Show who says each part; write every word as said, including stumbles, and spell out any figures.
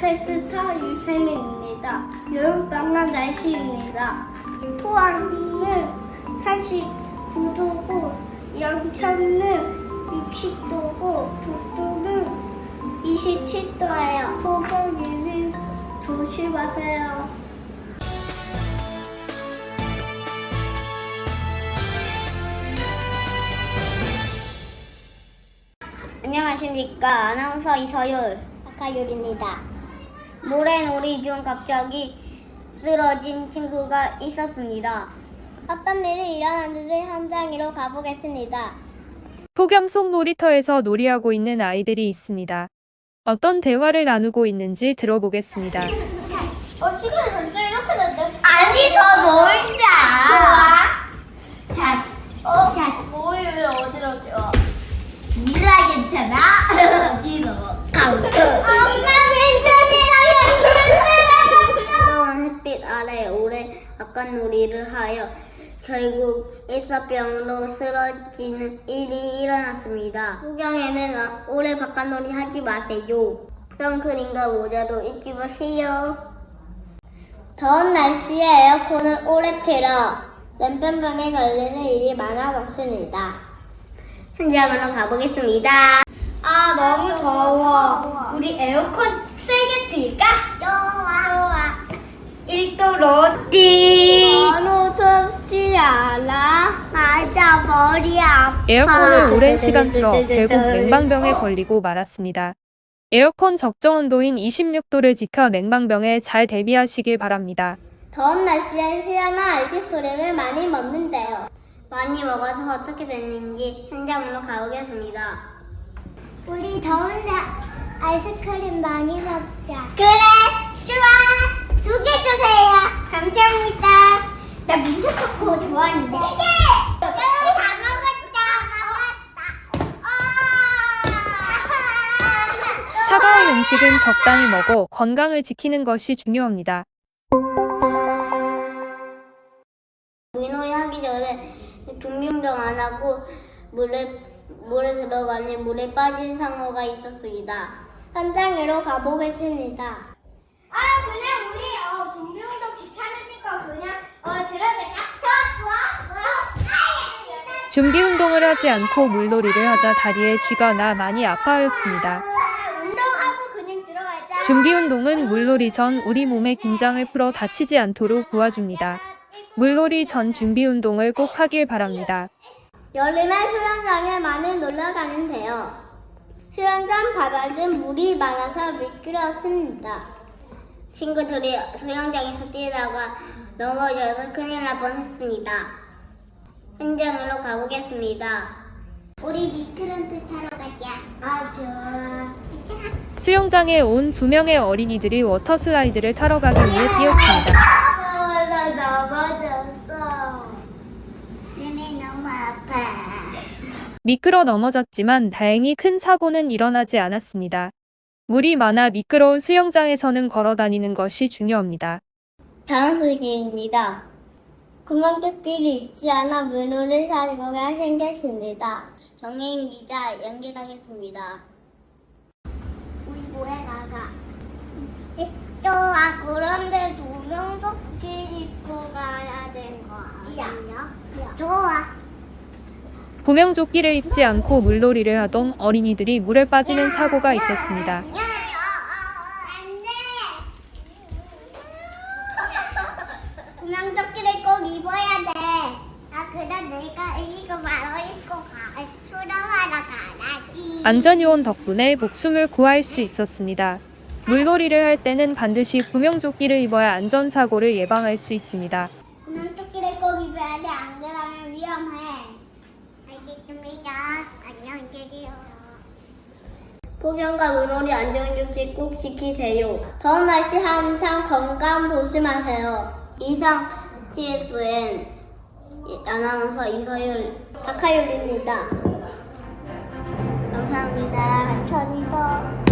Speaker 1: 캐스터 유세민입니다. 여름방학 날씨입니다. 포항은 사십구 도고, 영천은 육십 도고, 독도는 이십칠 도예요. 폭염에는 조심하세요. 안녕하십니까. 아나운서 이서율, 박하율입니다. 모래놀이 중 갑자기 쓰러진 친구가 있었습니다. 어떤 일이 일어났는지 현장으로 가보겠습니다.
Speaker 2: 폭염 속 놀이터에서 놀이하고 있는 아이들이 있습니다. 어떤 대화를 나누고 있는지 들어보겠습니다.
Speaker 1: 어, 시간이 벌써 이렇게 됐네. 아니, 더 놀자. 좋아. 자, 어, 자. 뭐해, 왜 어디로 어디로? 미라 괜찮아? 지도 가고. 엄마 괜찮이라고. 뜨거운 햇빛 아래 오래 바깥놀이를 하여 결국 일사병으로 쓰러지는 일이 일어났습니다. 폭염에는 오래 바깥놀이 하지 마세요. 선크림과 모자도 잊지 마세요. 더운 날씨에 에어컨을 오래 틀어 냉방병에 걸리는 일이 많아졌습니다. 현장으로 가보겠습니다. 아, 너무 더워. 우리 에어컨 세게 틀까? 좋아. 좋아. 일 도로 띠. 너무 춥지 않아? 맞아, 머리 아파.
Speaker 2: 에어컨을 오랜 시간 틀어 결국 냉방병에 걸리고 말았습니다. 에어컨 적정 온도인 이십육 도를 지켜 냉방병에 잘 대비하시길 바랍니다.
Speaker 1: 더운 날씨엔 시원한 아이스크림을 많이 먹는데요. 많이 먹어서 어떻게 됐는지 현장으로 가보겠습니다. 우리 더운 날 아이스크림 많이 먹자. 그래, 좋아. 두 개 주세요. 감사합니다. 나 민트 초코 좋아하는데. 네. 다 먹었다. 먹었다. 아.
Speaker 2: 차가운 음식은 적당히 먹어 건강을 지키는 것이 중요합니다.
Speaker 1: 물놀이 하기 전에 준비운동 안 하고 물에 물에 들어가니 물에 빠진 상어가 있었습니다. 현장으로 가보겠습니다. 아, 그냥 우리 어, 준비운동 귀찮으니까 그냥 어 들어가자. 좋아, 좋아.
Speaker 2: 준비 운동을 하지 않고 물놀이를 하자 다리에 쥐가 나 많이 아파하였습니다.
Speaker 1: 운동하고 그냥 들어가자.
Speaker 2: 준비 운동은 물놀이 전 우리 몸의 긴장을 풀어 다치지 않도록 도와줍니다. 물놀이 전 준비 운동을 꼭 하길 바랍니다.
Speaker 1: 여름에 수영장에 많이 놀러 가면 돼요. 수영장 바닥은 물이 많아서 미끄럽습니다. 친구들이 수영장에서 뛰다가 넘어져서 큰일 날 뻔했습니다. 현장으로 가보겠습니다. 우리 미끄럼틀 타러 가자. 아, 좋아. 괜찮아.
Speaker 2: 수영장에 온 두 명의 어린이들이 워터 슬라이드를 타러 가기 위해 뛰었습니다.
Speaker 1: 나 넘어졌어. 눈이 너무 아파.
Speaker 2: 미끄러 넘어졌지만 다행히 큰 사고는 일어나지 않았습니다. 물이 많아 미끄러운 수영장에서는 걸어 다니는 것이 중요합니다.
Speaker 1: 다음 소식입니다. 구멍뚫길이 있지 않아 물놀이 사고가 생겼습니다. 정혜인 기자 연결하겠습니다. 우리 뭐해 나가? 좋아. 그런데 조명도끼 입고 가야 되는 거 아니야? 좋아.
Speaker 2: 구명조끼를 입지 않고 물놀이를 하던 어린이들이 물에 빠지는 사고가 있었습니다.
Speaker 1: 안 돼. 구명조끼를 꼭 입어야 돼. 아, 그래 내가 이거 바로 입고 가. 수영하러 가야지.
Speaker 2: 안전요원 덕분에 목숨을 구할 수 있었습니다. 물놀이를 할 때는 반드시 구명조끼를 입어야 안전사고를 예방할 수 있습니다.
Speaker 1: 구명조끼를 꼭 입어야 돼. 안 그러면 위험해. 알겠습니다. 안녕히 계세요. 폭염과 물놀이 안전조치 꼭 지키세요. 더운 날씨 항상 건강 조심하세요. 이상 티에스엔 아나운서 이서율, 박하율입니다. 감사합니다. 감사합니다.